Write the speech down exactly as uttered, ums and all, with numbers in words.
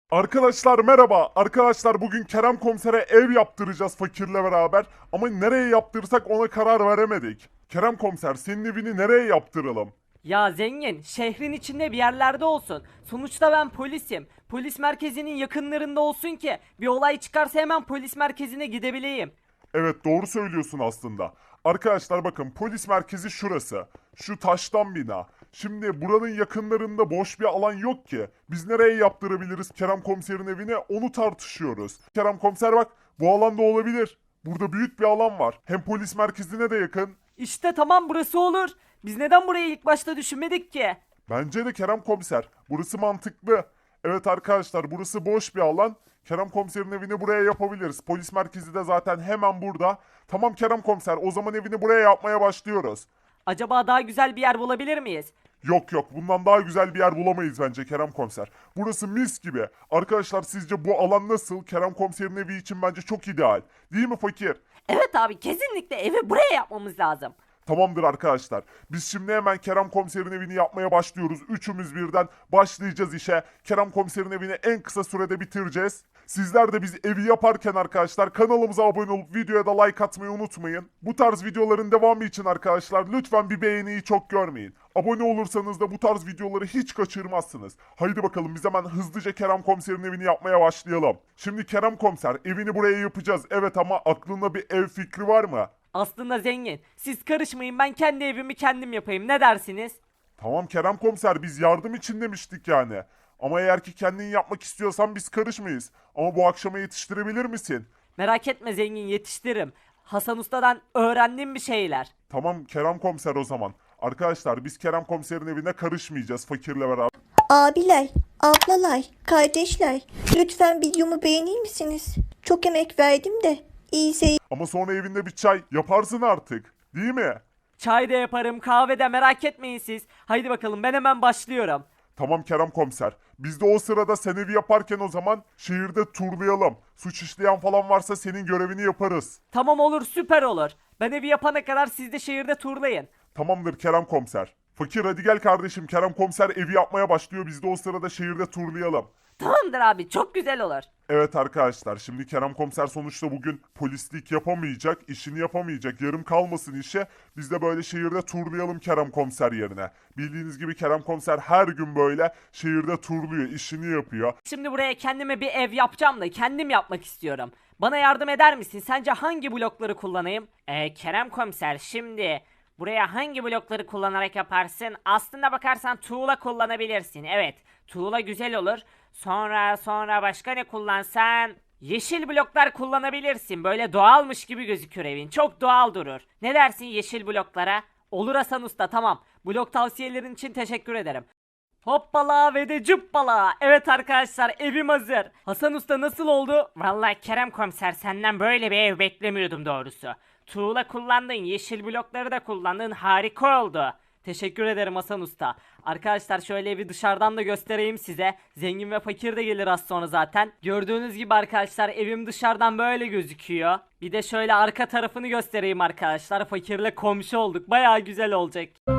Arkadaşlar merhaba. Arkadaşlar bugün Kerem Komiser'e ev yaptıracağız fakirle beraber. Ama nereye yaptırsak ona karar veremedik. Kerem Komiser senin evini nereye yaptıralım? Ya zengin, şehrin içinde bir yerlerde olsun. Sonuçta ben polisim. Polis merkezinin yakınlarında olsun ki bir olay çıkarsa hemen polis merkezine gidebileyim. Evet doğru söylüyorsun aslında. Arkadaşlar bakın polis merkezi şurası. Şu taştan bina. Şimdi buranın yakınlarında boş bir alan yok ki. Biz nereye yaptırabiliriz Kerem Komiser'in evine onu tartışıyoruz. Kerem Komiser bak bu alanda olabilir. Burada büyük bir alan var. Hem polis merkezine de yakın. İşte tamam burası olur. Biz neden burayı ilk başta düşünmedik ki? Bence de Kerem Komiser. Burası mantıklı. Evet arkadaşlar burası boş bir alan. Kerem Komiser'in evini buraya yapabiliriz. Polis merkezi de zaten hemen burada. Tamam Kerem Komiser o zaman evini buraya yapmaya başlıyoruz. Acaba daha güzel bir yer bulabilir miyiz? Yok yok bundan daha güzel bir yer bulamayız bence Kerem Komiser. Burası mis gibi. Arkadaşlar sizce bu alan nasıl? Kerem Komiser'in evi için bence çok ideal. Değil mi fakir? Evet abi kesinlikle evi buraya yapmamız lazım. Tamamdır arkadaşlar. Biz şimdi hemen Kerem Komiser'in evini yapmaya başlıyoruz. Üçümüz birden başlayacağız işe. Kerem Komiser'in evini en kısa sürede bitireceğiz. Sizler de biz evi yaparken arkadaşlar kanalımıza abone olup videoya da like atmayı unutmayın. Bu tarz videoların devamı için arkadaşlar lütfen bir beğeniyi çok görmeyin. Abone olursanız da bu tarz videoları hiç kaçırmazsınız. Haydi bakalım biz hemen hızlıca Kerem Komiser'in evini yapmaya başlayalım. Şimdi Kerem Komiser evini buraya yapacağız. Evet ama aklında bir ev fikri var mı? Aslında zengin. Siz karışmayın ben kendi evimi kendim yapayım ne dersiniz? Tamam Kerem Komiser biz yardım için demiştik yani. Ama eğer ki kendin yapmak istiyorsan biz karışmayız. Ama bu akşama yetiştirebilir misin? Merak etme zengin yetiştiririm. Hasan Usta'dan öğrendim bir şeyler. Tamam Kerem Komiser o zaman. Arkadaşlar biz Kerem Komiser'in evine karışmayacağız fakirle beraber. Abiler, ablalar, kardeşler, lütfen videomu beğenir misiniz? Çok emek verdim de. İyi seyirler. Ama sonra evinde bir çay yaparsın artık. Değil mi? Çay da yaparım kahve de merak etmeyin siz. Haydi bakalım ben hemen başlıyorum. Tamam Kerem Komiser. Biz de o sırada sen evi yaparken o zaman şehirde turlayalım. Suç işleyen falan varsa senin görevini yaparız. Tamam olur süper olur. Ben evi yapana kadar siz de şehirde turlayın. Tamamdır Kerem Komiser. Fakir hadi gel kardeşim Kerem Komiser evi yapmaya başlıyor. Biz de o sırada şehirde turlayalım. Tamamdır abi çok güzel olur. Evet arkadaşlar şimdi Kerem Komiser sonuçta bugün polislik yapamayacak, işini yapamayacak, yarım kalmasın işe. Biz de böyle şehirde turlayalım Kerem Komiser yerine. Bildiğiniz gibi Kerem Komiser her gün böyle şehirde turluyor, işini yapıyor. Şimdi buraya kendime bir ev yapacağım da kendim yapmak istiyorum. Bana yardım eder misin? Sence hangi blokları kullanayım? Ee, Kerem Komiser şimdi buraya hangi blokları kullanarak yaparsın? Aslında bakarsan tuğla kullanabilirsin. Evet, tuğla güzel olur. Sonra sonra başka ne kullansan? Yeşil bloklar kullanabilirsin. Böyle doğalmış gibi gözükür evin. Çok doğal durur. Ne dersin yeşil bloklara? Olur Hasan Usta tamam. Blok tavsiyelerin için teşekkür ederim. Hoppala ve de cüppala. Evet arkadaşlar evim hazır. Hasan Usta nasıl oldu? Vallahi Kerem Komiser senden böyle bir ev beklemiyordum doğrusu. Tuğla kullandın, yeşil blokları da kullandın. Harika oldu. Teşekkür ederim Hasan Usta. Arkadaşlar şöyle evi dışarıdan da göstereyim size. Zengin ve fakir de gelir az sonra zaten. Gördüğünüz gibi arkadaşlar evim dışarıdan böyle gözüküyor. Bir de şöyle arka tarafını göstereyim arkadaşlar. Fakirle komşu olduk. Baya güzel olacak.